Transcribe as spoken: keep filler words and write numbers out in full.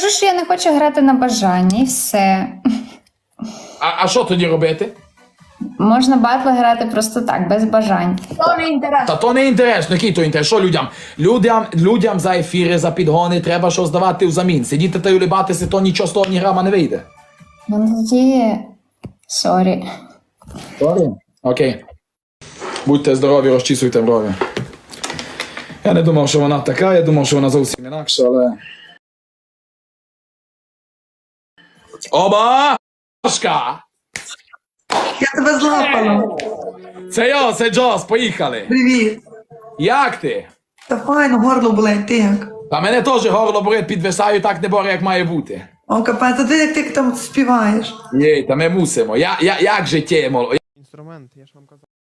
Кажу, що я не хочу грати на бажання, і все. А, а що тоді робити? Можна батли грати просто так, без бажань. То не інтересно. Та то не інтересно, який то інтерес? Що людям? Людям, людям за ефіри, за підгони треба щось давати взамін. Сидіти та й улибатися, то нічого з того ні грама не вийде. Ну тоді... Сорі. Сорі? Окей. Будьте здорові, розчісуйте брові. Я не думав, що вона така, я думав, що вона зовсім інакша, але... Оба! Шка! Я тебе злапала. Це я, це Джос, поїхали. Привіт. Як ти? Та файно, горло болить, ти як? Та мене теж горло болить, підвисаю, так не боре, як має бути. О, капець, а ти як ти там співаєш? Єй, та ми мусимо. Я, я, як життя, моло. Інструмент, я ж вам казав.